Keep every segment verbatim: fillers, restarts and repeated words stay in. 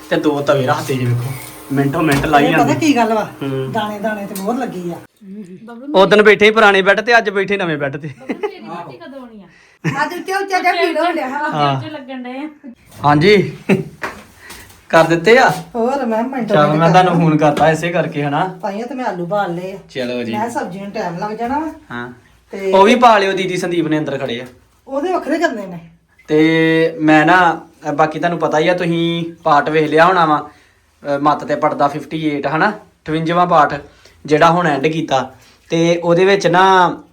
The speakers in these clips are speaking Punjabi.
ਤੇ ਦੋ ਤਵੇ ਰੱਖਦੇ ਜੇ ਵੇਖੋ ਮਿੰਟੋ ਮਿੰਟ ਲਾਈ ਇਹ ਪਤਾ ਜਾਂਦੇ ਕੀ ਗੱਲ ਵਾ ਦਾਣੇ ਦਾਣੇ ਤੇ ਬਹੁਤ ਲੱਗੀ ਆ ਉਦੋਂ ਬੈਠੇ ਹੀ ਪੁਰਾਣੇ ਬੈੱਡ ਤੇ ਅੱਜ ਬੈਠੇ ਨਵੇਂ ਬੈੱਡ ਤੇ ਕਦੋਂ ਆਉਣੀ ਆ ਅੱਜ ਉੱਚਾ ਉੱਚਾ ਜਿਹਾ ਭੀੜ ਹੋ ਲਿਆ ਹਾਂ ਚ ਲੱਗਣ ਡਏ ਆ ਹਾਂਜੀ ਕਰ ਦਿੱਤੇ ਆ ਹੋਰ ਮੈਂ ਮਿੰਟੋ ਚਲ ਮੈਂ ਤੁਹਾਨੂੰ ਫੋਨ ਕਰਤਾ ਇਸੇ ਕਰਕੇ ਹਨਾ ਪਾਈਆਂ ਤੇ ਮੈਂ ਆਲੂ ਬਾਲ ਲਏ ਆ ਚਲੋ ਜੀ ਮੈਂ ਸਬਜ਼ੀ ਨੂੰ ਟਾਈਮ ਲੱਗ ਜਾਣਾ ਵਾ ਹਾਂ ਤੇ ਉਹ ਵੀ ਪਾ ਲਿਓ ਦੀਦੀ ਸੰਦੀਪ ਨੇ ਅੰਦਰ ਖੜੇ ਆ ਉਹਦੇ ਵੱਖਰੇ ਕਰਨੇ ਨੇ ਤੇ ਮੈਂ ਨਾ ਅ, ਬਾਕੀ ਤੁਹਾਨੂੰ ਪਤਾ ਹੀ ਆ ਤੁਸੀਂ ਪਾਰਟ ਵੇਖ ਲਿਆ ਹੋਣਾ ਵਾ ਅ, ਮੱਤ ਤੇ ਪੜਦਾ ਅਠਾਵਨ ਹਨਾ ਅਠਵੰਜਾ ਪਾਰਟ ਜਿਹੜਾ ਹੁਣ ਐਂਡ ਕੀਤਾ ਤੇ ਉਹਦੇ ਵਿੱਚ ਨਾ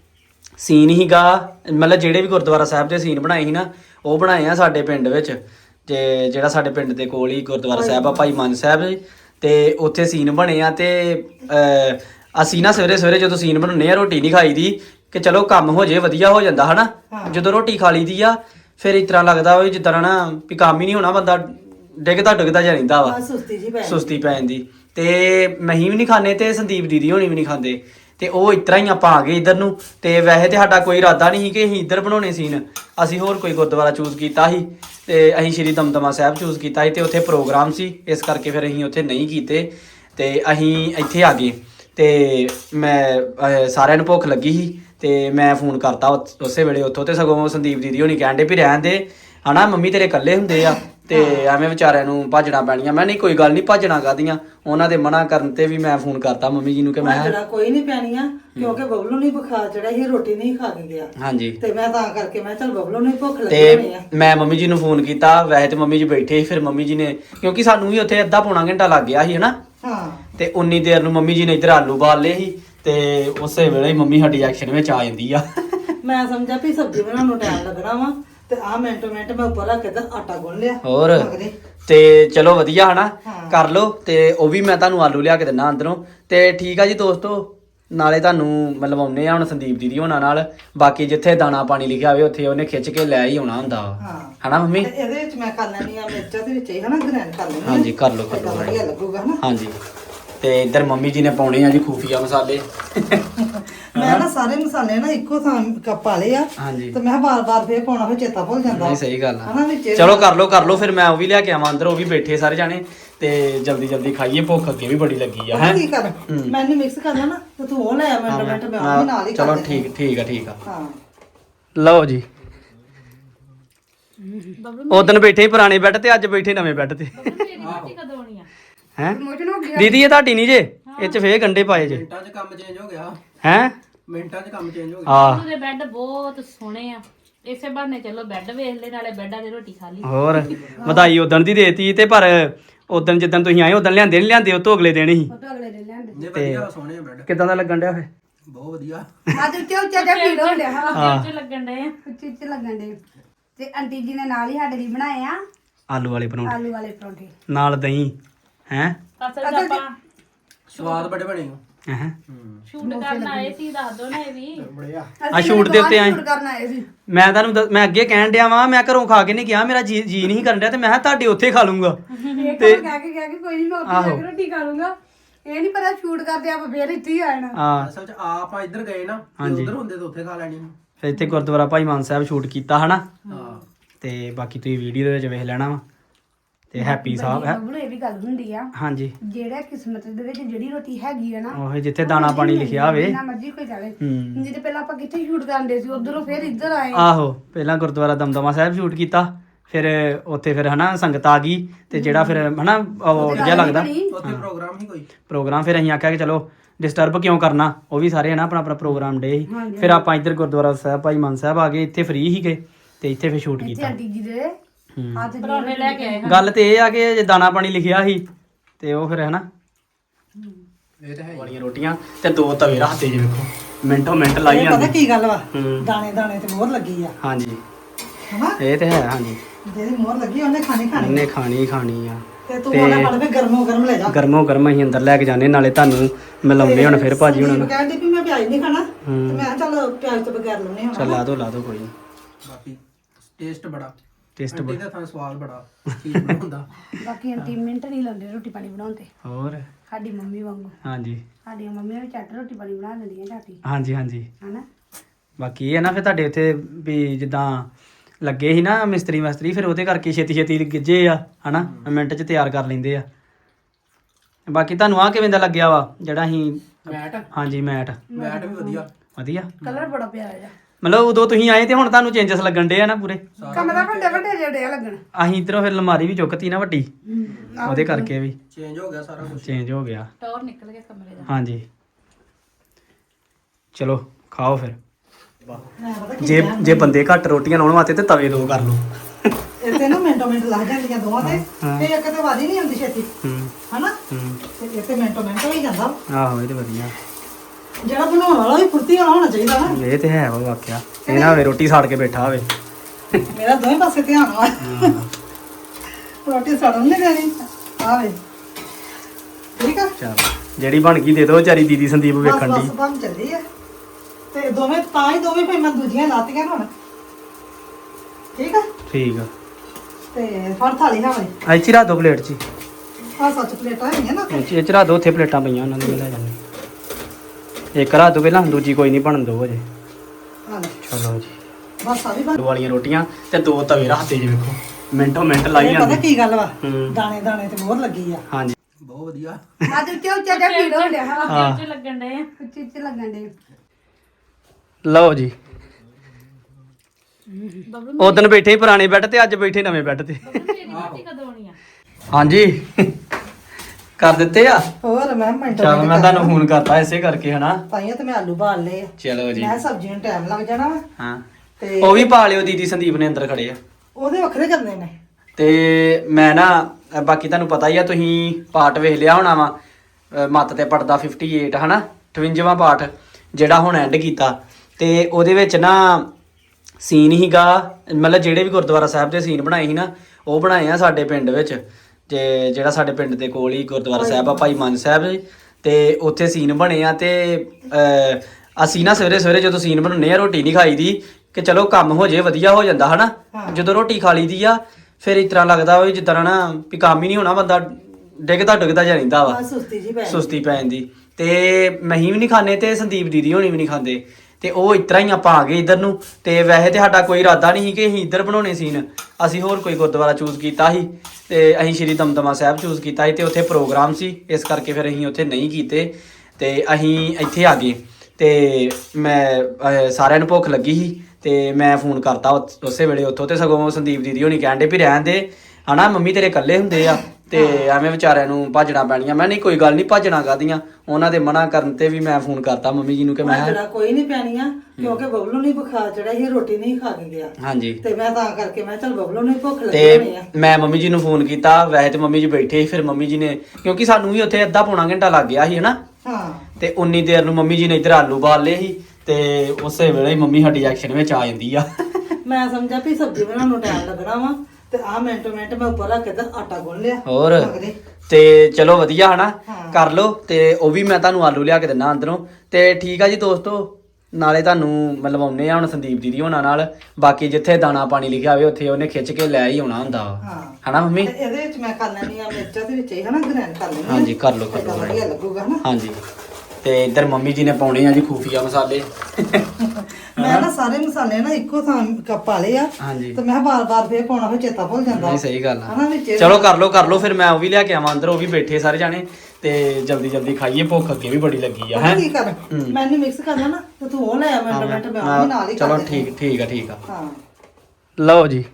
ਸੀਨ ਹੀਗਾ ਮਤਲਬ ਜਿਹੜੇ ਵੀ ਗੁਰਦੁਆਰਾ ਸਾਹਿਬ ਦੇ ਸੀਨ ਬਣਾਏ ਸੀ ਨਾ ਉਹ ਬਣਾਏ ਆ ਸਾਡੇ ਪਿੰਡ ਵਿੱਚ ਤੇ ਜਿਹੜਾ ਸਾਡੇ ਪਿੰਡ ਦੇ ਕੋਲ ਹੀ ਗੁਰਦੁਆਰਾ ਸਾਹਿਬ ਆ ਭਾਈ ਮਨ ਸਾਹਿਬ ਜੀ ਤੇ ਉੱਥੇ ਸੀਨ ਬਣੇ ਆ ਤੇ ਅ, ਅਸੀਂ ਨਾ ਸਵੇਰੇ ਸਵੇਰੇ ਜਦੋਂ ਸੀਨ ਬਣਾਉਂਦੇ ਆ ਰੋਟੀ ਨਹੀਂ ਖਾਈਦੀ ਕਿ ਚਲੋ ਕੰਮ ਹੋ ਜੇ ਵਧੀਆ ਹੋ ਜਾਂਦਾ ਹਨਾ ਜਦੋਂ ਰੋਟੀ ਖਾ ਲਈਦੀ ਆ ਫਿਰ ਇਸ ਤਰ੍ਹਾਂ ਲੱਗਦਾ ਵੀ ਜਿੱਦਾਂ ਨਾ ਵੀ ਕੰਮ ਹੀ ਨਹੀਂ ਹੋਣਾ ਬੰਦਾ ਡਿੱਗਦਾ ਡੁੱਗਦਾ ਜਿਹਾ ਰਹਿੰਦਾ ਵਾ ਸੁਸਤੀ ਜੀ ਪੈ ਸੁਸਤੀ ਪੈ ਜਾਂਦੀ ਤੇ ਮਹੀਂ ਵੀ ਨਹੀਂ ਖਾਂਦੇ ਤੇ ਸੰਦੀਪ ਦੀਦੀ ਹੋਣੀ ਵੀ ਨਹੀਂ ਖਾਂਦੇ ਤੇ ਉਹ ਇਸ ਤਰ੍ਹਾਂ ਹੀ ਆਪਾਂ ਆ ਗਏ ਇੱਧਰ ਨੂੰ ਤੇ ਵੈਸੇ ਤੇ ਸਾਡਾ ਕੋਈ ਇਰਾਦਾ ਨਹੀਂ ਸੀ ਕਿ ਅਸੀਂ ਇੱਧਰ ਬਣਾਉਣੇ ਸੀਨ ਅਸੀਂ ਹੋਰ ਕੋਈ ਗੁਰਦੁਆਰਾ ਚੂਜ਼ ਕੀਤਾ ਸੀ ਤੇ ਅਸੀਂ ਸ਼੍ਰੀ ਦਮਦਮਾ ਸਾਹਿਬ ਚੂਜ਼ ਕੀਤਾ ਸੀ ਤੇ ਉੱਥੇ ਪ੍ਰੋਗਰਾਮ ਸੀ ਇਸ ਕਰਕੇ ਫਿਰ ਅਸੀਂ ਉੱਥੇ ਨਹੀਂ ਕੀਤੇ ਤੇ ਅਸੀਂ ਇੱਥੇ ਆ ਗਏ ਤੇ ਮੈਂ ਅਹ, ਸਾਰਿਆਂ ਨੂੰ ਭੁੱਖ ਲੱਗੀ ਸੀ ਤੇ ਮੈਂ ਫੋਨ ਕਰਤਾ ਉਸ- ਉਸੇ ਵੇਲੇ ਉੱਥੋਂ ਤੇ ਸਗੋਂ ਸੰਦੀਪ ਦੀਦੀ ਹੋਣੀ ਕਹਿਣ ਦੇ ਵੀ ਰਹਿਣ ਦੇ ਹਨਾ ਮੰਮੀ ਤੇਰੇ ਇਕੱਲੇ ਹੁੰਦੇ ਆ ਤੇ ਐਵੇਂ ਵਿਚਾਰਿਆਂ ਨੂੰ ਭੱਜਣਾ ਪੈਣੀਆਂ ਮੈਂ ਨਹੀਂ ਕੋਈ ਗੱਲ ਨਹੀਂ ਭੱਜਣਾ ਕਾਹਦੀਆਂ ਉਹਨਾਂ ਦੇ ਮਨਾ ਕਰਨ ਤੇ ਵੀ ਮੈਂ ਫੋਨ ਕਰਤਾ ਮੰਮੀ ਜੀ ਨੂੰ ਕਿ ਮੈਂ ਜਿਹੜਾ ਕੋਈ ਨਹੀਂ ਪੈਣੀਆਂ ਕਿਉਂਕਿ ਬਬਲੂ ਨਹੀਂ ਬੁਖਾਰ ਚੜਿਆ ਸੀ ਰੋਟੀ ਨਹੀਂ ਖਾ ਕੇ ਗਿਆ ਹਾਂਜੀ ਤੇ ਮੈਂ ਤਾਂ ਕਰਕੇ ਮੈਂ ਚਲ ਬਬਲੂ ਨੂੰ ਹੀ ਭੁੱਖ ਲੱਗੀ ਤੇ ਹੋਣੀ ਆ ਮੈਂ ਮੰਮੀ ਜੀ ਨੂੰ ਫੋਨ ਕੀਤਾ ਵੈਸੇ ਤੇ ਮੰਮੀ ਜੀ ਬੈਠੇ ਸੀ ਫਿਰ ਮੰਮੀ ਜੀ ਨੇ ਕਿਉਂਕਿ ਸਾਨੂੰ ਵੀ ਉੱਥੇ ਅੱਧਾ ਪੌਣਾ ਘੰਟਾ ਲੱਗ ਗਿਆ ਸੀ ਹਨਾ ਹਾਂ ਤੇ ਉਨੀ ਦੇਰ ਨੂੰ ਮੰਮੀ ਜੀ ਨੇ ਇੱਧਰ ਆਲੂ ਬਾਲ ਲਏ ਸੀ ਤੇ ਉਸੇ ਵੇਲੇ ਹੀ ਮੰਮੀ ਸਾਡੀ ਐਕਸ਼ਨ ਵਿੱਚ ਆ ਜਾਂਦੀ ਆ ਮੈਂ ਸਮਝਿਆ ਵੀ ਸਬਜ਼ੀ ਬਣਾਉਣ ਨੂੰ ਟਾਈਮ ਲੱਗਣਾ ਵਾ ਤੇ ਆ ਮਿੰਟੋ ਮਿੰਟ ਮੈਂ ਉੱਪਰ ਰੱਖ ਕੇ ਤਾਂ ਆਟਾ ਗੁੰਨ ਲਿਆ ਹੋਰ ਮਗਰੇ। ਤੇ ਚਲੋ ਵਧੀਆ ਹਨਾ ਹਾਂ। ਕਰ ਲਓ ਤੇ ਉਹ ਵੀ ਮੈਂ ਤੁਹਾਨੂੰ ਆਲੂ ਲਿਆ ਕੇ ਦਿੰਦਾ ਅੰਦਰੋਂ ਤੇ ਠੀਕ ਆ ਜੀ ਦੋਸਤੋ ਨਾਲੇ ਤੁਹਾਨੂੰ ਮਿਲਵਾਉਨੇ ਆ ਹੁਣ ਸੰਦੀਪ ਦੀਦੀ ਹੋਣਾ ਨਾਲ ਬਾਕੀ ਜਿੱਥੇ ਦਾਣਾ ਪਾਣੀ ਲਿਖਿਆ ਹੋਵੇ ਉੱਥੇ ਉਹਨੇ ਖਿੱਚ ਕੇ ਲੈ ਹੀ ਆਉਣਾ ਹੁੰਦਾ ਵਾ। ਹਾਂ ਹਨਾ ਮੰਮੀ ਤੇ ਇਹਦੇ ਵਿੱਚ ਮੈਂ ਕਰ ਲੈਣੀ ਆ ਮਿਰਚਾਂ ਦੇ ਵਿੱਚ ਹੀ ਹਨਾ ਗ੍ਰੈਂਡ ਕਰ ਲੈਣੀ ਹਾਂਜੀ ਕਰ ਲਓ ਕਰ ਲਓ ਵਧੀਆ ਲੱਗੂਗਾ ਹਨਾ ਹਾਂਜੀ ਤੇ ਇੱਧਰ ਮੰਮੀ ਜੀ ਨੇ ਪਾਉਣੇ ਆ ਜੀ ਖੂਫੀਆ ਮਸਾਲੇ ਮੈਂ ਨਾ ਸਾਰੇ ਮਸਾਲੇ ਨਾ ਇੱਕੋ ਥਾਂ ਕ- ਪਾ ਲਏ ਆ ਹਾਂਜੀ ਤੇ ਮੈਂ ਬਾਰ-ਬਾਰ ਫੇਰ ਪਾਉਣਾ ਫਿਰ ਚੇਤਾ ਭੁੱਲ ਜਾਂਦਾ ਨਹੀਂ ਸਹੀ ਗੱਲ ਆ ਹਨਾ ਵਿੱਚ ਚਲੋ ਕਰ ਲਓ ਕਰ ਲਓ ਫਿਰ ਮੈਂ ਉਹ ਵੀ ਲਿਆ ਕੇ ਆਵਾਂ ਅੰਦਰ ਉਹ ਵੀ ਬੈਠੇ ਸਾਰੇ ਜਾਣੇ ਤੇ ਜਲਦੀ ਜਲਦੀ ਖਾਈਏ ਭੁੱਖ ਅੱਗੇ ਵੀ ਬੜੀ ਲੱਗੀ ਆ ਪਤਾ ਹੈ ਕੀ ਕਰ ਮੈਨੂੰ ਮਿਕਸ ਕਰ ਲੈਣਾ ਤੇ ਤੂੰ ਉਹ ਲੈ ਆ ਮਿੰਟ ਮਿੰਟ ਮੈਂ ਉਹ ਵੀ ਨਾਲ ਹੀ ਕਰ ਚਲੋ ਦਿੰਦੀ ਠੀਕ ਠੀਕ ਆ ਠੀਕ ਆ ਹਾਂ ਲਓ ਜੀ ਉਦੋਂ ਬੈਠੇ ਹੀ ਪੁਰਾਣੇ ਬੈੱਡ ਤੇ ਅੱਜ ਬੈਠੇ ਨਵੇਂ ਬੈੱਡ ਤੇ ਮੇਰੀ ਰੋਟੀ ਕਦੋਂ ਆਉਣੀ ਆ ਹੈ ਦੀਦੀ ਇਹ ਤੁਹਾਡੀ ਨਹੀਂ ਜੇ ਇਹ ਚ ਫੇਰ ਗੰਡੇ ਪਾਏ ਜੇ ਮਿੰਟਾਂ 'ਚ ਕੰਮ ਚੇਂਜ ਹੋ ਗਿਆ ਹੈ ਮਿੰਟਾਂ 'ਚ ਕੰਮ ਚੇਂਜ ਹੋ ਗਿਆ ਆ ਉਹਦੇ ਬੈੱਡ ਬਹੁਤ ਸੋਹਣੇ ਆ ਇਸੇ ਬਹਾਨੇ ਚਲੋ ਬੈੱਡ ਵੇਖ ਲੈ ਨਾਲੇ ਬੈੱਡਾਂ ਦੀ ਰੋਟੀ ਖਾ ਲਈ ਹੋਰ ਵਧਾਈ ਉਦੋਂ ਦੀ ਦੇਤੀ ਤੇ ਪਰ ਉਦੋਂ ਜਿੱਦਣ ਤੁਸੀਂ ਆਏ ਉਦੋਂ ਲਿਆਂਦੇ ਨਹੀਂ ਲਿਆਂਦੇ ਉਹ ਤੋਂ ਅਗਲੇ ਦਿਨ ਹੀ ਨੇ ਵਧੀਆ ਸੋਹਣੇ ਆ ਬੈੱਡ ਕਿਦਾਂ ਦਾ ਲੱਗਣ ਡਿਆ ਫੇ ਬਹੁਤ ਵਧੀਆ ਅੱਜ ਉੱਚਾ ਉੱਚਾ ਜਿਹਾ ਭੀੜ ਹੋ ਲਿਆ ਹਾਂ ਚ ਲੱਗਣ ਡਏ ਆ ਉੱਚੇ ਉੱਚੇ ਲੱਗਣ ਦੇ ਤੇ ਆਂਟੀ ਜੀ ਨੇ ਨਾਲ ਹੀ ਸਾਡੇ ਲਈ ਬਣਾਏ ਆ ਆਲੂ ਵਾਲੇ ਪਰੌਂਠੇ ਆਲੂ ਵਾਲੇ ਪਰੌਂਠੇ ਨਾਲ ਦਹੀਂ ਹੈ ਅਸਲ ਚ ਆਪਾਂ ਸਵਾਦ ਬੜੇ ਬਣੇ ਹੋ ਹੈ ਸ਼ੂਟ ਕਰਨ ਆਏ ਸੀ ਦੱਸ ਦੋ ਨਾ ਇਹ ਵੀ ਬੜਿਆ ਆ ਸ਼ੂਟ ਦੇ ਉੱਤੇ ਆਏ ਸ਼ੂਟ ਕਰਨ ਆਏ ਸੀ ਮੈਂ ਤੁਹਾਨੂੰ ਦੱਸ- ਮੈਂ ਅੱਗੇ ਕਹਿਣ ਡਿਆ ਵਾਂ ਮੈਂ ਘਰੋਂ ਖਾ ਕੇ ਨਹੀਂ ਗਿਆ ਮੇਰਾ ਜੀ ਜੀ ਨਹੀਂ ਕਰਨ ਡਿਆ ਤੇ ਮੈਂ ਕਿਹਾ ਤੁਹਾਡੇ ਉੱਥੇ ਖਾ ਲੂੰਗਾ ਇਹ ਕਹਿ ਕੇ ਕਹਿ ਕੇ ਕੋਈ ਨਹੀਂ ਮੈਂ ਉੱਥੇ ਜਾ ਆਹੋ। ਕੇ ਰੋਟੀ ਖਾ ਲੂੰਗਾ ਇਹ ਨਹੀਂ ਪਤਾ ਸ਼ੂਟ ਕਰਦੇ ਆਪਾਂ ਫੇਰ ਇੱਥੇ ਹੀ ਆਣਾ ਹਾਂ ਅਸਲ 'ਚ ਆਪਾਂ ਇੱਧਰ ਗਏ ਨਾ ਹਾਂਜੀ। ਉਧਰ ਹੁੰਦੇ ਤਾਂ ਉੱਥੇ ਖਾ ਲੈਣੀ ਸੀ। ਫਿਰ ਇੱਥੇ ਗੁਰਦੁਆਰਾ ਭਾਈ ਮਾਨ ਸਾਹਿਬ ਸ਼ੂਟ ਕੀਤਾ ਹਨਾ ਹਾਂ ਤੇ ਬਾਕੀ ਤੁਸੀਂ ਵੀਡੀਓ ਦੇ ਵਿੱਚ ਵੇਖ ਲੈਣਾ ਵਾ ਤੇ ਹੈਪੀ ਸਾਹਿਬ ਹੈ ਬਬਲੂ ਇਹ ਵੀ ਗੱਲ ਹੁੰਦੀ ਆ ਹਾਂਜੀ ਜਿਹੜਾ ਕਿਸਮਤ ਦੇ ਵਿੱਚ ਜਿਹੜੀ ਰੋਟੀ ਹੈਗੀ ਆ ਨਾ ਉਹ ਜਿੱਥੇ ਦਾਣਾ ਪਾਣੀ ਲਿਖਿਆ ਹੋਵੇ ਨਾ ਮਰਜੀ ਕੋਈ ਜਾਵੇ ਹੂੰ ਜਿਹਦੇ ਪਹਿਲਾਂ ਆਪਾਂ ਕਿੱਥੇ ਸ਼ੂਟ ਕਰਦੇ ਸੀ ਉਧਰੋਂ ਫੇਰ ਇੱਧਰ ਆਏ ਆਹੋ ਪਹਿਲਾਂ ਗੁਰਦੁਆਰਾ ਦਮਦਮਾ ਸਾਹਿਬ ਸ਼ੂਟ ਕੀਤਾ ਫਿਰ ਉੱਥੇ ਫਿਰ ਹਨਾ ਸੰਗਤ ਆ ਗਈ ਤੇ ਜਿਹੜਾ ਫਿਰ ਹਨਾ ਉਹ ਜਿਹਾ ਲੱਗਦਾ ਉੱਥੇ ਪ੍ਰੋਗਰਾਮ ਹੀ ਕੋਈ ਪ੍ਰੋਗਰਾਮ ਫਿਰ ਅਸੀਂ ਆਖਿਆ ਕਿ ਚਲੋ ਡਿਸਟਰਬ ਕਿਉਂ ਕਰਨਾ ਉਹ ਵੀ ਸਾਰੇ ਹਨਾ ਆਪਣਾ ਆਪਣਾ ਪ੍ਰੋਗਰਾਮ ਡੇ ਸੀ ਫਿਰ ਆਪਾਂ ਇੱਧਰ ਗੁਰਦੁਆਰਾ ਸਾਹਿਬ ਭਾਈ ਮਾਨ ਸਾਹਿਬ ਆ ਗਏ ਇੱਥੇ ਫ੍ਰੀ ਸੀਗੇ ਤੇ ਇੱਥੇ ਫਿਰ ਸ਼ੂਟ ਇੱਥੇ ਕੀਤਾ ਆਂਟੀ ਜੀ ਦੇ ਹੂੰ ਹੱਥ ਪਰੌਂਠੇ ਲੈ ਕੇ ਆਏ ਹਾਂ ਗੱਲ ਤੇ ਇਹ ਆ ਕਿ ਜੇ ਦਾਣਾ ਪਾਣੀ ਲਿਖਿਆ ਸੀ ਤੇ ਉਹ ਫਿਰ ਹਨਾ ਇਹ ਤਾਂ ਹੈ ਹੀ। ਵਾਲੀਆਂ ਰੋਟੀਆਂ ਤੇ ਦੋ ਤਵੇ ਰੱਖਦੇ ਜੇ ਵੇਖੋ ਮਿੰਟੋ ਮਿੰਟ ਲਾਈ ਇਹ ਪਤਾ ਜਾਂਦੇ ਕੀ ਗੱਲ ਵਾ ਹੂੰ ਦਾਣੇ ਦਾਣੇ ਤੇ ਮੋਹਰ ਲੱਗੀ ਆ ਹਾਂਜੀ ਹਨਾ ਇਹ ਤੇ ਹੈ ਹਾਂਜੀ ਜਿਹਦੀ ਮੋਹਰ ਲੱਗੀ ਉਹਨੇ ਖਾਣੀ ਖਾਣੀ ਉਹਨੇ ਖਾਣੀ ਹੀ ਖਾਣੀ ਆ ਤੇ ਤੂੰ ਉਹਨੇ ਫੜ ਕੇ ਗਰਮੋ ਗਰਮ ਲੈ ਜਾ ਗਰਮੋ ਗਰਮ ਅਸੀਂ ਅੰਦਰ ਲੈ ਕੇ ਜਾਣੇ ਨਾਲੇ ਤੁਹਾਨੂੰ ਮਿਲਾਉਂਦੇ ਹੁਣ ਫਿਰ ਭਾਜੀ ਹੁਣਾਂ ਨੂੰ ਕਹਿੰਦੀ ਵੀ ਮੈਂ ਪਿਆਜ਼ ਨਹੀਂ ਖਾਣਾ ਤੇ ਮੈਂ ਕਿਹਾ ਚੱਲ ਪਿਆਜ਼ ਤੋਂ ਬਗੈਰ ਲੈਣੇ ਹੁਣ ਚੱਲ ਲਾ ਦੋ ਲਾ ਦੋ ਕੋਈ ਨੀ। ਬਾਕੀ ਟੇਸਟ ਬੜਾ ਟੇਸਟ ਆਂਟੀ ਦਾ ਤਾਂ ਸਵਾਦ ਬੜਾ ਚੀਜ਼ ਬਣਾਉਂਦਾ ਬਾਕੀ ਆਂਟੀ ਮਿੰਟ ਨਹੀਂ ਲਾਉਂਦੇ ਰੋਟੀ ਪਾਣੀ ਬਣਾਉਣ ਤੇ ਹੋਰ ਸਾਡੀ ਮੰਮੀ ਵਾਂਗੂ ਹਾਂਜੀ ਸਾਡੀਆਂ ਮੰਮੀਆਂ ਵੀ ਝੱਟ ਰੋਟੀ ਪਾਣੀ ਬਣਾ ਦਿੰਦੀਆਂ ਝਾਟੀ ਹਾਂਜੀ ਹਾਂਜੀ ਹਨਾ ਬਾਕੀ ਇਹ ਹੈ ਨਾ ਫਿਰ ਤੁਹਾਡੇ ਉੱਥੇ ਵੀ ਜਿੱਦਾਂ ਲੱਗੇ ਸੀ ਨਾ ਮਿਸਤਰੀ ਮਸਤਰੀ, ਫਿਰ ਉਹਦੇ ਕਰਕੇ ਛੇਤੀ ਛੇਤੀ ਗਿੱਜੇ ਆ ਹਨਾ, ਮਿੰਟ 'ਚ ਤਿਆਰ ਕਰ ਲੈਂਦੇ ਆ। ਬਾਕੀ ਤੁਹਾਨੂੰ ਆ ਕਿਵੇਂ ਦਾ ਲੱਗਿਆ ਵਾ ਜਿਹੜਾ ਅਸੀਂ ਮੈਟ ਹਾਂਜੀ ਮੈਟ ਮੈਟ ਵੀ ਵਧੀਆ। ਵਧੀਆ ਕਲਰ ਬੜਾ ਪਿਆਰਾ ਜਿਹਾ। ਮਤਲਬ ਉਦੋਂ ਤੁਸੀਂ ਆਏ ਤੇ ਹੁਣ ਤੁਹਾਨੂੰ ਚੇਂਜਸ ਲੱਗਣ ਡੇ ਆ ਨਾ ਪੂਰੇ। ਕਮਰਾ ਵੱਡੇ ਵੱਡੇ ਜਿਹੜੇ ਲੱਗਣ। ਅਸੀਂ ਇਧਰੋਂ ਫਿਰ ਅਲਮਾਰੀ ਵੀ ਚੁੱਕਤੀ ਨਾ ਵੱਡੀ, ਉਹਦੇ ਕਰਕੇ ਵੀ ਚੇਂਜ ਹੋ ਗਿਆ ਸਾਰਾ ਕੁਝ। ਚੇਂਜ ਹੋ ਗਿਆ। ਟੌਰ ਨਿਕਲ ਗਿਆ ਕਮਰੇ ਦਾ। ਹਾਂਜੀ ਚਲੋ ਖਾਓ ਫਿਰ। ਮੈਂ ਪਤਾ ਕੀ ਜੇ ਜੇ ਬੰਦੇ ਘੱਟ ਰੋਟੀਆਂ ਲਾਉਣ ਵਾਸਤੇ ਤੇ ਤਵੇ ਦੋ ਕਰ ਲਓ। ਇੱਥੇ ਨਾ ਮਿੰਟੋ ਮਿੰਟ ਲੱਗ ਜਾਂਦੀਆਂ ਦੋਵਾਂ ਤੇ ਹਾਂ। ਤੇ ਇੱਕ ਤੇ ਵਾਦੀ ਨਹੀਂ ਹੁੰਦੀ ਛੇਤੀ ਹੂੰ ਹਨਾ, ਹੂੰ ਤੇ ਇੱਥੇ ਮਿੰਟੋ ਮਿੰਟ ਹੋਈ ਜਾਂਦਾ ਵਾ। ਆਹੋ ਇਹ ਤੇ ਵਧੀਆ। ਜਿਹੜਾ ਬਣਾਉਣ ਵਾਲਾ ਵੀ ਫੁਰਤੀ ਵਾਲਾ ਹੋਣਾ ਚਾਹੀਦਾ ਨਾ। ਇਹ ਤੇ ਹੈ ਵਾ ਵਾਕਿਆ। ਇਹ ਨਾ ਹੋਵੇ ਰੋਟੀ ਸਾੜ ਕੇ ਬੈਠਾ ਹੋਵੇ। ਮੇਰਾ ਦੋਵੇਂ ਪਾਸੇ ਧਿਆਨ ਵਾ, ਰੋਟੀ ਸੜਨ ਨਹੀਂ ਦੇਣੀ। ਆਵੇ ਠੀਕ ਆ, ਚਲ ਜਿਹੜੀ ਬਣ ਗਈ ਦੇ ਦਿਓ ਵਿਚਾਰੀ ਦੀਦੀ ਸੰਦੀਪ ਬਸ ਵੇਖਣ ਬਸ ਦੀ। ਬਣ ਚੱਲੀ ਆ। ਤੇ ਦੋਵੇਂ ਤਾਂ ਹੀ ਦੋਵੇਂ ਫਿਰ ਮੈਂ ਦੂਜੀਆਂ ਲਾਤੀਆਂ ਹੁਣ। ਠੀਕ ਆ, ਠੀਕ ਆ। ਤੇ ਫੜ ਥਾਲੀ ਹਾਵੇ ਐ ਚ ਰੱਖ ਦੋ ਪਲੇਟ 'ਚ। ਆ ਸੱਚ ਪਲੇਟਾਂ ਹੈਗੀਆਂ ਨਾ। ਇਹ 'ਚ- ਇਹ ਚ ਰੱਖ ਦੋ, ਉੱਥੇ ਪਲੇਟਾਂ ਪਈਆਂ ਉਹਨਾਂ ਨੂੰ ਲੈ ਜਾਂਦੇ। ਇੱਕ ਰੱਖ ਦੋ ਪਹਿਲਾਂ, ਦੂਜੀ ਕੋਈ ਨਹੀਂ ਬਣਨ ਦੋ ਅਜੇ। ਆ ਲੈ ਚਲੋ ਜੀ ਬਸ ਆ ਵੀ ਬਣ। ਦੋ ਵਾਲੀਆਂ ਰੋਟੀਆਂ ਤੇ ਦੋ ਤਵੇ ਰੱਖਦੇ ਜੀ ਵੇਖੋ, ਮਿੰਟੋ ਮਿੰਟ ਲਾਈ ਇਹ ਪਤਾ ਜਾਂਦੇ। ਕੀ ਗੱਲ ਵਾ, ਹੂੰ। ਦਾਣੇ ਦਾਣੇ ਤੇ ਮੋਹਰ ਲੱਗੀ ਆ। ਹਾਂਜੀ ਬਹੁਤ ਵਧੀਆ। ਅੱਜ ਉੱਚਾ ਉੱਚਾ ਜਿਹਾ ਫੀਲ ਹੋ ਰਿਹਾ। ਹਾਂ ਹਾਂ ਉੱਚੇ ਲੱਗਣ ਡੇ ਆ। ਉੱਚੇ ਉੱਚੇ ਲੱਗਣ ਦੇ। ਲਓ ਜੀ, ਉਦੋਂ ਬੈਠੇ ਸੀ ਪੁਰਾਣੇ ਬੈੱਡ ਤੇ, ਅੱਜ ਬੈਠੇ ਨਵੇਂ ਬੈੱਡ ਤੇ। ਮੇਰੀ ਰੋਟੀ ਕਦੋਂ ਆਉਣੀ ਆ? ਹਾਂਜੀ ਕਰ ਦਿੱਤੇ ਆ। ਹੋਰ ਮੈਂ ਮਿੰਟੋ ਚਲ ਮਿੰਟ ਮੈਂ ਤੁਹਾਨੂੰ ਫੋਨ ਕਰਤਾ ਇਸੇ ਕਰਕੇ ਹਨਾ। ਪਾਈਆਂ ਤੇ ਮੈਂ ਆਲੂ ਬਾਲ ਲਏ ਆ। ਚਲੋ ਜੀ ਮੈਂ ਸਬਜ਼ੀ ਨੂੰ ਟਾਈਮ ਲੱਗ ਜਾਣਾ ਵਾ, ਹਾਂ ਤੇ ਉਹ ਵੀ ਪਾ ਲਿਓ, ਦੀਦੀ ਸੰਦੀਪ ਨੇ ਅੰਦਰ ਖੜੇ ਆ। ਉਹਦੇ ਵੱਖਰੇ ਕਰਨੇ ਨੇ। ਤੇ ਮੈਂ ਨਾ ਅ, ਬਾਕੀ ਤੁਹਾਨੂੰ ਪਤਾ ਹੀ ਆ, ਤੁਸੀਂ ਪਾਰਟ ਵੇਖ ਲਿਆ ਹੋਣਾ ਵਾ ਅ, ਮੱਤ ਤੇ ਪੜਦਾ ਅਠਾਵਨ ਹਨਾ, ਅਠਵੰਜਾਵਾਂ ਪਾਰਟ ਜਿਹੜਾ ਹੁਣ ਐਂਡ ਕੀਤਾ। ਤੇ ਉਹਦੇ ਵਿੱਚ ਨਾ ਸੀਨ ਹੀਗਾ, ਮਤਲਬ ਜਿਹੜੇ ਵੀ ਗੁਰਦੁਆਰਾ ਸਾਹਿਬ ਦੇ ਸੀਨ ਬਣਾਏ ਸੀ ਨਾ, ਉਹ ਬਣਾਏ ਆ ਸਾਡੇ ਪਿੰਡ ਵਿੱਚ। ਤੇ ਜਿਹੜਾ ਸਾਡੇ ਪਿੰਡ ਦੇ ਕੋਲ ਹੀ ਗੁਰਦੁਆਰਾ ਸਾਹਿਬ ਆ ਭਾਈ ਮਨ ਸਾਹਿਬ ਜੀ, ਤੇ ਉੱਥੇ ਸੀਨ ਬਣੇ ਆ। ਤੇ ਅ, ਅਸੀਂ ਨਾ ਸਵੇਰੇ ਸਵੇਰੇ ਜਦੋਂ ਸੀਨ ਬਣਾਉਂਦੇ ਆ, ਰੋਟੀ ਨਹੀਂ ਖਾਈ ਦੀ ਕਿ ਚਲੋ ਕੰਮ ਹੋ ਜੇ, ਵਧੀਆ ਹੋ ਜਾਂਦਾ ਹਨਾ। ਜਦੋਂ ਰੋਟੀ ਖਾ ਲਈ ਦੀ ਆ, ਫਿਰ ਇਸ ਤਰ੍ਹਾਂ ਲੱਗਦਾ ਵੀ ਜਿੱਦਾਂ ਨਾ ਵੀ ਕੰਮ ਹੀ ਨਹੀਂ ਹੋਣਾ, ਬੰਦਾ ਡਿੱਗਦਾ ਡੁੱਗਦਾ ਜਾ ਰਹਿੰਦਾ ਵਾ, ਆ ਸੁਸਤੀ ਜੀ ਪੈ ਸੁਸਤੀ ਪੈ ਜਾਂਦੀ। ਤੇ ਮਹੀਂ ਵੀ ਨਹੀਂ ਖਾਂਦੇ ਤੇ ਸੰਦੀਪ ਦੀਦੀ ਹੋਣੀ ਵੀ ਨਹੀਂ ਖਾਂਦੇ। ਤੇ ਉਹ ਇਸ ਤਰ੍ਹਾਂ ਹੀ ਆਪਾਂ ਆ ਗਏ ਇੱਧਰ ਨੂੰ। ਤੇ ਵੈਸੇ ਤੇ ਸਾਡਾ ਕੋਈ ਇਰਾਦਾ ਨਹੀਂ ਸੀ ਕਿ ਅਸੀਂ ਇੱਧਰ ਬਣਾਉਣੇ ਸੀਨ, ਅਸੀਂ ਹੋਰ ਕੋਈ ਗੁਰਦੁਆਰਾ ਚੂਜ਼ ਕੀਤਾ ਸੀ। ਤੇ ਅਸੀਂ ਸ਼੍ਰੀ ਦਮਦਮਾ ਸਾਹਿਬ ਚੂਜ਼ ਕੀਤਾ ਸੀ, ਤੇ ਉੱਥੇ ਪ੍ਰੋਗਰਾਮ ਸੀ, ਇਸ ਕਰਕੇ ਫਿਰ ਅਸੀਂ ਉੱਥੇ ਨਹੀਂ ਕੀਤੇ ਤੇ ਅਸੀਂ ਇੱਥੇ ਆ ਗਏ। ਤੇ ਮੈਂ ਅਹ, ਸਾਰਿਆਂ ਨੂੰ ਭੁੱਖ ਲੱਗੀ ਸੀ ਤੇ ਮੈਂ ਫੋਨ ਕਰਤਾ ਉਸ- ਉਸੇ ਵੇਲੇ ਉੱਥੋਂ। ਤੇ ਸਗੋਂ ਸੰਦੀਪ ਦੀਦੀ ਹੋਣੀ ਕਹਿਣ ਦੇ ਵੀ ਰਹਿਣ ਦੇ ਹਨਾ, ਮੰਮੀ ਤੇਰੇ ਇਕੱਲੇ ਹੁੰਦੇ ਆ ਤੇ ਐਵੇਂ ਵਿਚਾਰਿਆਂ ਨੂੰ ਭੱਜਣਾ ਪੈਣੀਆਂ। ਮੈਂ ਨਹੀਂ ਕੋਈ ਗੱਲ ਨਹੀਂ, ਭੱਜਣਾ ਕਾਹਦੀਆਂ। ਉਹਨਾਂ ਦੇ ਮਨਾ ਕਰਨ ਤੇ ਵੀ ਮੈਂ ਫੋਨ ਕਰਤਾ ਮੰਮੀ ਜੀ ਨੂੰ ਕਿ ਮੈਂ ਜਿਹੜਾ ਕੋਈ ਨਹੀਂ ਪੈਣੀਆਂ, ਕਿਉਂਕਿ ਬਬਲੂ ਨਹੀਂ ਬੁਖਾਰ ਚੜਿਆ ਸੀ, ਰੋਟੀ ਨਹੀਂ ਖਾ ਕੇ ਗਿਆ। ਹਾਂਜੀ। ਤੇ ਮੈਂ ਤਾਂ ਕਰਕੇ ਮੈਂ ਚਲ ਬਬਲੂ ਨੂੰ ਭੁੱਖ ਲੱਗੀ ਤੇ ਹੋਣੀ ਆ। ਮੈਂ ਮੰਮੀ ਜੀ ਨੂੰ ਫੋਨ ਕੀਤਾ, ਵੈਸੇ ਤੇ ਮੰਮੀ ਜੀ ਬੈਠੇ ਸੀ। ਫਿਰ ਮੰਮੀ ਜੀ ਨੇ, ਕਿਉਂਕਿ ਸਾਨੂੰ ਵੀ ਉੱਥੇ ਅੱਧਾ ਪੌਣਾ ਘੰਟਾ ਲੱਗ ਗਿਆ ਸੀ ਹਨਾ, ਹਾਂ ਤੇ ਉਨੀ ਦੇਰ ਨੂੰ ਮੰਮੀ ਜੀ ਨੇ ਇੱਧਰ ਆਲੂ ਬਾਲ ਲਏ ਸੀ। ਤੇ ਉਸੇ ਵੇਲੇ ਹੀ ਮੰਮੀ ਸਾਡੀ ਐਕਸ਼ਨ ਵਿੱਚ ਆ ਜਾਂਦੀ ਆ। ਮੈਂ ਸਮਝਿਆ ਵੀ ਸਬਜ਼ੀ ਬਣਾਉਣ ਨੂੰ ਟਾਈਮ ਲੱਗਣਾ ਵਾ, ਤੇ ਆ ਮਿੰਟੋ ਮਿੰਟ ਮੈਂ ਉੱਪਰ ਰੱਖ ਕੇ ਤਾਂ ਆਟਾ ਗੁੰਨ ਲਿਆ। ਹੋਰ ਮਗਰੇ। ਤੇ ਚਲੋ ਵਧੀਆ ਹਨਾ, ਹਾਂ। ਕਰ ਲੋ। ਤੇ ਉਹ ਵੀ ਮੈਂ ਤੁਹਾਨੂੰ ਆਲੂ ਲਿਆ ਕੇ ਦਿੰਦਾ ਅੰਦਰੋਂ। ਤੇ ਠੀਕ ਆ ਜੀ ਦੋਸਤੋ, ਨਾਲੇ ਤੁਹਾਨੂੰ ਮਤਲਬ ਆਉਨੇ ਆ ਹੁਣ ਸੰਦੀਪ ਦੀਦੀ ਹੋਣਾ ਨਾਲ। ਬਾਕੀ ਜਿੱਥੇ ਦਾਣਾ ਪਾਣੀ ਲਿਖਿਆ ਹੋਵੇ ਉੱਥੇ ਉਹਨੇ ਖਿੱਚ ਕੇ ਲੈ ਹੀ ਆਉਣਾ ਹੁੰਦਾ ਵਾ। ਹਾਂ। ਹਨਾ ਮੰਮੀ? ਤੇ ਇਹਦੇ ਵਿੱਚ ਮੈਂ ਕਰ ਲੈਣੀ ਆ ਮਿਰਚਾਂ ਦੇ ਵਿੱਚ ਹੀ ਹਨਾ, ਗ੍ਰੈਂਡ ਕਰ ਲੈਣੀ ਆ। ਹਾਂਜੀ, ਕਰ ਲਓ, ਕਰ ਲਓ। ਏਦਾਂ ਵਧੀਆ ਲੱਗੂਗਾ ਹਨਾ। ਹਾਂਜੀ। ਤੇ ਇੱਧਰ ਮੰਮੀ ਜੀ ਨੇ ਪਾਉਣੇ ਆ ਜੀ ਖੂਫੀਆ ਮਸਾਲੇ। ਮੈਂ ਨਾ ਸਾਰੇ ਮਸਾਲੇ ਨਾ ਇੱਕੋ ਥਾਂ ਕ- ਪਾ ਲਏ ਆ। ਹਾਂਜੀ। ਤੇ ਮੈਂ ਬਾਰ-ਬਾਰ ਫੇਰ ਪਾਉਣਾ ਹੋਵੇ ਚੇਤਾ ਭੁੱਲ ਜਾਂਦਾ। ਨਹੀਂ ਸਹੀ ਗੱਲ ਹਨਾ ਆ। ਵਿੱਚ। ਚਲੋ ਕਰ ਲੋ ਕਰ ਲੋ, ਫਿਰ ਮੈਂ ਉਹ ਵੀ ਲਿਆ ਕੇ ਆਵਾਂ ਅੰਦਰ। ਉਹ ਵੀ ਬੈਠੇ ਸਾਰੇ ਜਾਣੇ ਤੇ ਜਲਦੀ ਜਲਦੀ ਖਾਈਏ, ਭੁੱਖ ਅੱਗੇ ਵੀ ਬੜੀ ਲੱਗੀ ਆ। ਪਤਾ ਹੈ ਕੀ ਕਰ, ਮੈਨੂੰ ਮਿਕਸ ਕਰਨਾ ਨਾ, ਤੇ ਤੂੰ ਉਹ ਲੈ ਆ ਮਿੰਟ ਮਿੰਟ ਮੈਂ ਉਹ ਵੀ ਨਾਲ ਹੀ ਕਰ ਚਲੋ ਦਿੰਦੀ ਠੀਕ ਠੀਕ ਆ ਠੀਕ ਆ। ਹਾਂ। ਲਓ ਜੀ,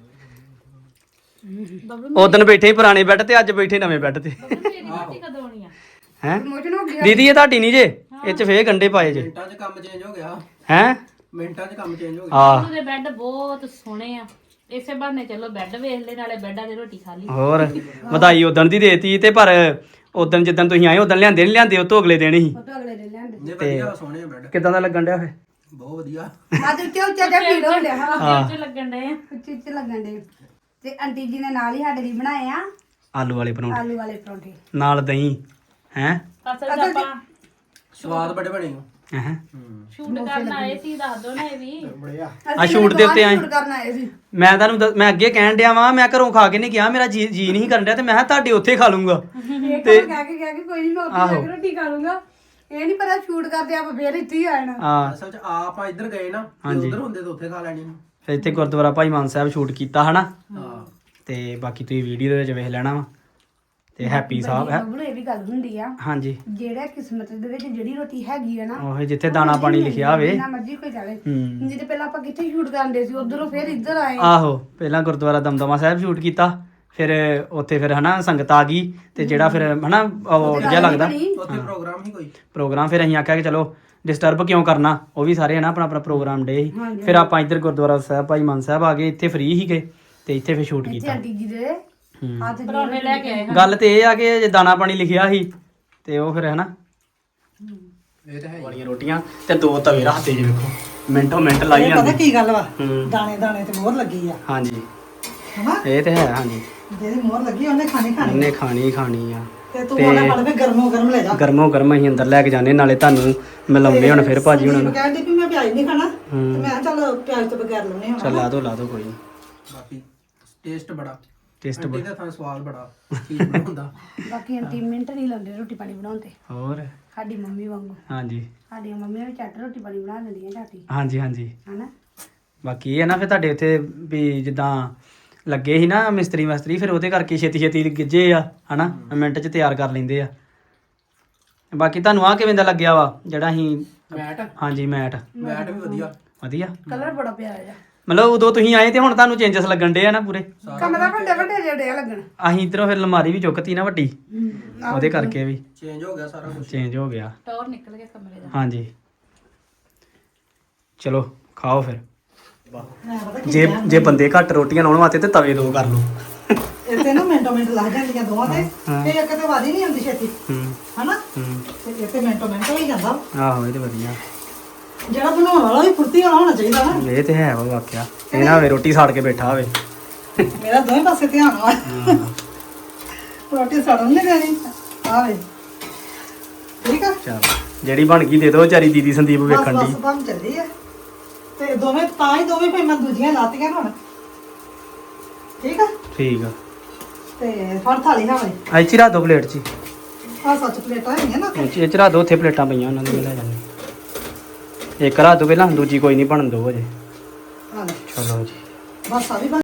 ਉਦੋਂ ਬੈਠੇ ਸੀ ਪੁਰਾਣੇ ਬੈੱਡ ਤੇ, ਅੱਜ ਬੈਠੇ ਨਵੇਂ ਬੈੱਡ ਤੇ। ਮੇਰੀ ਰੋਟੀ ਕਦੋਂ ਆਉਣੀ ਆ? ਹੈ ਪ੍ਰਮੋਸ਼ਨ ਹੋ ਗਿਆ। ਦੀਦੀ ਇਹ ਤੁਹਾਡੀ ਨਹੀਂ ਜੇ, ਇਹ ਚ ਫੇਰ ਗੰਡੇ ਪਾਏ ਜੇ। ਮਿੰਟਾਂ 'ਚ ਕੰਮ ਚੇਂਜ ਹੋ ਗਿਆ। ਹੈ ਮਿੰਟਾਂ 'ਚ ਕੰਮ ਚੇਂਜ ਹੋ ਗਿਆ। ਆ ਉਹਦੇ ਬੈੱਡ ਬਹੁਤ ਸੋਹਣੇ ਆ। ਇਸੇ ਬਹਾਨੇ ਚਲੋ ਬੈੱਡ ਵੇਖ ਲੈ, ਨਾਲੇ ਬੈੱਡਾਂ 'ਤੇ ਰੋਟੀ ਖਾ ਲਈ। ਹੋਰ ਵਧਾਈ ਉਦਣ ਦੀ ਦੇਤੀ। ਤੇ ਪਰ ਉਦਣ ਜਿੱਦਣ ਤੁਸੀਂ ਆਏ ਉਦਣ ਲਿਆਂਦੇ ਨਹੀਂ ਲਿਆਂਦੇ, ਉਹ ਤੋਂ ਅਗਲੇ ਦਿਨ ਹੀ। ਉਹ ਤਾਂ ਅਗਲੇ ਦਿਨ ਲਿਆਂਦੇ। ਨੇ ਵਧੀਆ ਸੋਹਣੇ ਬੈੱਡ, ਕਿਦਾਂ ਦਾ ਲੱਗਣ ਡਿਆ ਫੇ? ਬਹੁਤ ਵਧੀਆ। ਅੱਜ ਉੱਚਾ ਉੱਚਾ ਜਿਹਾ ਫੀਲ ਹੋ ਰਿਹਾ। ਹਾਂ ਉੱਚੇ ਲੱਗਣ ਡੇ ਆ। ਉੱਚੇ ਉੱਚੇ ਲੱਗਣ ਦੇ। ਤੇ ਆਂਟੀ ਜੀ ਨੇ ਨਾਲ ਹੀ ਸਾਡੇ ਲਈ ਬਣਾਏ ਆ ਆਲੂ ਵਾਲੇ ਪਰੌਂਠੇ ਆਲੂ ਵਾਲੇ ਪਰੌਂਠੇ ਨਾਲ ਦਹੀਂ। ਹੈ ਅਸਲ 'ਚ ਆਪਾਂ ਸਵਾਦ ਬੜੇ ਬਣੇ ਹੋ। ਹੈ ਸ਼ੂਟ ਕਰਨ ਆਏ ਸੀ, ਦੱਸ ਦੋ ਨਾ ਇਹ ਵੀ। ਬੜਿਆ। ਆ ਸ਼ੂਟ ਦੇ ਉੱਤੇ ਆਏ। ਸ਼ੂਟ ਕਰਨ ਆਏ ਸੀ। ਮੈਂ ਤੁਹਾਨੂੰ ਦੱਸ- ਮੈਂ ਅੱਗੇ ਕਹਿਣ ਡਿਆ ਵਾਂ, ਮੈਂ ਘਰੋਂ ਖਾ ਕੇ ਨਹੀਂ ਗਿਆ, ਮੇਰਾ ਜੀ ਜੀ ਨਹੀਂ ਕਰਨ ਡਿਆ। ਤੇ ਮੈਂ ਕਿਹਾ ਤੁਹਾਡੇ ਉੱਥੇ ਖਾ ਲੂੰਗਾ। ਇਹ ਕਹਿ ਕੇ ਕਹਿ ਕੇ ਕੋਈ ਨਹੀਂ, ਮੈਂ ਉੱਥੇ ਜਾ ਆਹੋ। ਕੇ ਰੋਟੀ ਖਾ ਲੂੰਗਾ। ਇਹ ਨਹੀਂ ਪਤਾ ਸ਼ੂਟ ਕਰਦੇ ਆਪਾਂ ਫੇਰ ਇੱਥੇ ਹੀ ਆ ਜਾਣਾ। ਹਾਂ ਅਸਲ 'ਚ ਆਪਾਂ ਇੱਧਰ ਗਏ ਨਾ, ਹਾਂਜੀ। ਉਧਰ ਹੁੰਦੇ ਤਾਂ ਉੱਥੇ ਖਾ ਲੈਣੀ। ਫਿਰ ਇੱਥੇ ਗੁਰਦੁਆਰਾ ਭਾਈ ਮਾਨ ਸਾਹਿਬ ਸ਼ੂਟ ਕੀਤਾ ਹਨਾ ਹਾਂ ਤੇ ਬਾਕੀ ਤੁਸੀਂ ਵੀਡੀਓ ਦੇ ਵਿੱਚ ਵੇਖ ਲੈਣਾ ਵਾ ਤੇ ਹੈਪੀ ਸਾਹਿਬ ਹੈ ਬਬਲੂ ਇਹ ਵੀ ਗੱਲ ਹੁੰਦੀ ਆ ਹਾਂਜੀ ਜਿਹੜਾ ਕਿਸਮਤ ਦੇ ਵਿੱਚ ਜਿਹੜੀ ਰੋਟੀ ਹੈਗੀ ਆ ਨਾ ਉਹ ਜਿੱਥੇ ਦਾਣਾ ਪਾਣੀ ਲਿਖਿਆ ਹੋਵੇ ਨਾ ਮਰਜ਼ੀ ਕੋਈ ਜਾਵੇ ਹੂੰ ਜਿਹਦੇ ਪਹਿਲਾਂ ਆਪਾਂ ਕਿੱਥੇ ਸ਼ੂਟ ਕਰਦੇ ਸੀ ਉਧਰੋਂ ਫਿਰ ਇੱਧਰ ਆਏ ਆਹੋ ਪਹਿਲਾਂ ਗੁਰਦੁਆਰਾ ਦਮਦਮਾ ਸਾਹਿਬ ਸ਼ੂਟ ਕੀਤਾ ਫਿਰ ਉੱਥੇ ਫਿਰ ਹਨਾ ਸੰਗਤ ਆ ਗਈ ਤੇ ਜਿਹੜਾ ਫਿਰ ਹਨਾ ਉਹ ਜਿਹਾ ਲੱਗਦਾ ਉੱਥੇ ਪ੍ਰੋਗਰਾਮ ਹੀ ਕੋਈ ਪ੍ਰੋਗਰਾਮ ਫਿਰ ਅਸੀਂ ਆਖਿਆ ਕਿ ਚਲੋ ਡਿਸਟਰਬ ਕਿਉਂ ਕਰਨਾ ਉਹ ਵੀ ਸਾਰੇ ਹਨਾ ਆਪਣਾ ਆਪਣਾ ਪ੍ਰੋਗਰਾਮ ਡੇ ਸੀ ਫਿਰ ਆਪਾਂ ਇੱਧਰ ਗੁਰਦੁਆਰਾ ਸਾਹਿਬ ਭਾਈ ਮਾਨ ਸਾਹਿਬ ਆ ਗਏ ਇੱਥੇ ਫ੍ਰੀ ਸੀਗੇ ਤੇ ਇੱਥੇ ਫਿਰ ਸ਼ੂਟ ਇੱਥੇ ਕੀਤਾ ਆਂਟੀ ਜੀ ਦੇ ਹੂੰ ਹੱਥ ਦੀ ਪਰੌਂਠੇ ਲੈ ਕੇ ਆਏ ਹਾਂ। ਗੱਲ ਤੇ ਇਹ ਆ ਕਿ ਜੇ ਦਾਣਾ ਪਾਣੀ ਲਿਖਿਆ ਸੀ ਤੇ ਉਹ ਫਿਰ ਹਨਾ ਇਹ ਤਾਂ ਹੈ ਹੀ। ਵਾਲੀਆਂ ਰੋਟੀਆਂ ਤੇ ਦੋ ਤਵੇ ਰੱਖਦੇ ਜੇ ਵੇਖੋ ਮਿੰਟੋ ਮਿੰਟ ਲਾਈ ਇਹ ਪਤਾ ਜਾਂਦੇ ਕੀ ਗੱਲ ਵਾ ਹੂੰ ਦਾਣੇ ਦਾਣੇ ਤੇ ਮੋਹਰ ਲੱਗੀ ਆ ਹਾਂਜੀ ਹਨਾ ਇਹ ਤੇ ਹੈ ਹਾਂਜੀ ਜਿਹਦੀ ਮੋਹਰ ਲੱਗੀ ਉਹਨੇ ਖਾਣੀ ਖਾਣੀ ਉਹਨੇ ਖਾਣੀ ਹੀ ਖਾਣੀ ਆ ਤੇ ਤੂੰ ਉਹਨੇ ਫੜ ਕੇ ਗਰਮੋ ਗਰਮ ਲੈ ਜਾ ਗਰਮੋ ਗਰਮ ਅਸੀਂ ਅੰਦਰ ਲੈ ਕੇ ਜਾਂਦੇ ਨਾਲੇ ਤੁਹਾਨੂੰ ਮਿਲਾਉਂਦੇ ਹੁਣ ਫਿਰ ਭਾਜੀ ਹੁਣਾਂ ਨੂੰ ਕਹਿੰਦੀ ਵੀ ਮੈਂ ਪਿਆਜ਼ ਨਹੀਂ ਖਾਣਾ ਤੇ ਮੈਂ ਕਿਹਾ ਚੱਲ ਪਿਆਜ਼ ਤੋਂ ਬਗੈਰ ਲਾਉਣੇ ਹੁਣ ਚੱਲ ਲਾ ਦੋ ਲਾ ਦੋ ਕੋਈ ਨੀ। ਬਾਕੀ ਟੇਸਟ ਬੜਾ ਟੇਸਟ ਆਂਟੀ ਦਾ ਤਾਂ ਸਵਾਦ ਬੜਾ ਚੀਜ਼ ਬਣਾਉਂਦਾ ਬਾਕੀ ਆਂਟੀ ਮਿੰਟ ਨਹੀਂ ਲਾਉਂਦੇ ਰੋਟੀ ਪਾਣੀ ਬਣਾਉਣ ਤੇ ਹੋਰ ਸਾਡੀ ਮੰਮੀ ਵਾਂਗੂ ਹਾਂਜੀ ਸਾਡੀਆਂ ਮੰਮੀਆਂ ਵੀ ਝੱਟ ਰੋਟੀ ਪਾਣੀ ਬਣਾ ਲੈਂਦੀਆਂ ਝਾਟੀ ਹਾਂਜੀ ਹਾਂਜੀ ਹਨਾ ਬਾਕੀ ਇਹ ਹੈ ਨਾ ਫਿਰ ਤੁਹਾਡੇ ਉੱਥੇ ਵੀ ਜਿੱਦਾਂ ਲੱਗੇ ਸੀ ਨਾ ਮਿਸਤਰੀ ਮਸਤਰੀ ਫਿਰ ਉਹਦੇ ਕਰਕੇ ਛੇਤੀ ਛੇਤੀ ਗਿੱਜੇ ਆ ਹਨਾ ਮਿੰਟ 'ਚ ਤਿਆਰ ਕਰ ਲੈਂਦੇ ਆ ਬਾਕੀ ਤੁਹਾਨੂੰ ਆ ਕਿਵੇਂ ਦਾ ਲੱਗਿਆ ਵਾ ਜਿਹੜਾ ਅਸੀਂ ਮੈਟ ਹਾਂਜੀ ਮੈਟ ਮੈਟ ਵੀ ਵਧੀਆ ਵਧੀਆ ਕਲਰ ਬੜਾ ਪਿਆਰਾ ਜਿਹਾ ਮਤਲਬ ਉਦੋਂ ਤੁਸੀਂ ਆਏ ਤੇ ਹੁਣ ਤੁਹਾਨੂੰ ਚੇਂਜਸ ਲੱਗਣ ਡੇ ਆ ਨਾ ਪੂਰੇ ਕਮਰਾ ਵੱਡੇ ਵੱਡੇ ਜਿਹੜੇ ਲੱਗਣ ਅਸੀਂ ਇਧਰੋਂ ਫਿਰ ਅਲਮਾਰੀ ਵੀ ਚੁੱਕਤੀ ਨਾ ਵੱਡੀ ਉਹਦੇ ਕਰਕੇ ਵੀ ਚੇਂਜ ਹੋ ਗਿਆ ਸਾਰਾ ਕੁਝ ਚੇਂਜ ਹੋ ਗਿਆ ਟੌਰ ਨਿਕਲ ਗਿਆ ਕਮਰੇ ਦਾ ਹਾਂਜੀ ਚਲੋ ਖਾਓ ਫਿਰ ਮੈਂ ਪਤਾ ਕੀ ਜੇ ਜੇ ਬੰਦੇ ਘੱਟ ਰੋਟੀਆਂ ਲਾਉਣ ਵਾਸਤੇ ਤੇ ਤਵੇ ਦੋ ਕਰ ਲਓ ਇੱਥੇ ਨਾ ਮਿੰਟੋ ਮਿੰਟ ਲੱਗ ਜਾਂਦੀਆਂ ਦੋਵਾਂ ਤੇ ਹਾਂ। ਤੇ ਇੱਕ ਤੇ ਵਾਦੀ ਨਹੀਂ ਆਉਂਦੀ ਛੇਤੀ ਹੂੰ ਹਨਾ ਹੂੰ ਤੇ ਇੱਥੇ ਮਿੰਟੋ ਮਿੰਟ ਹੋਈ ਜਾਂਦਾ ਆਹੋ ਇਹ ਤੇ ਵਧੀਆ ਜਿਹੜਾ ਬਣਾਉਣ ਵਾਲਾ ਵੀ ਫੁਰਤੀ ਵਾਲਾ ਹੋਣਾ ਚਾਹੀਦਾ ਨਾ ਇਹ ਤੇ ਹੈ ਵਾ ਵਾਕਿਆ ਇਹ ਨਾ ਹੋਵੇ ਰੋਟੀ ਸਾੜ ਕੇ ਬੈਠਾ ਹੋਵੇ ਮੇਰਾ ਦੋਵੇਂ ਪਾਸੇ ਧਿਆਨ ਵਾ ਰੋਟੀ ਸੜਨ ਨਹੀਂ ਦੇਣੀ ਆਵੇ ਠੀਕ ਆ ਚਲ ਜਿਹੜੀ ਬਣ ਗਈ ਦੇ ਦੋ ਵਿਚਾਰੀ ਦੀਦੀ ਸੰਦੀਪ ਬਸ ਵੇਖਣ ਬਸ ਦੀ ਬਣ ਚੱਲੀ ਆ ਤੇ ਦੋਵੇਂ ਤਾਂ ਹੀ ਦੋਵੇਂ ਫਿਰ ਮੈਂ ਦੂਜੀਆਂ ਲਾਤੀਆਂ ਹੁਣ ਠੀਕ ਆ ਠੀਕ ਆ ਤੇ ਫੜ ਥਾਲੀ ਨਾ ਵੇ ਐ ਚ ਰੱਖ ਦੋ ਪਲੇਟ ਚ ਆ ਸੱਚ ਪਲੇਟਾਂ ਹੈਗੀਆਂ ਨਾ ਇਹ 'ਚ- ਇਹ ਚ ਰੱਖ ਦੋ ਉੱਥੇ ਪਲੇਟਾਂ ਪਈਆਂ ਉਹਨਾਂ ਦੀਆਂ ਲੈ ਜਾਂਦੇ ਇੱਕ ਰੱਖ ਦੋ ਪਹਿਲਾਂ ਦੂਜੀ ਕੋਈ ਨਹੀਂ ਬਣਨ ਦੋ ਅਜੇ ਆ ਲੈ ਚਲੋ ਜੀ ਬਸ ਆ ਵੀ ਬਣ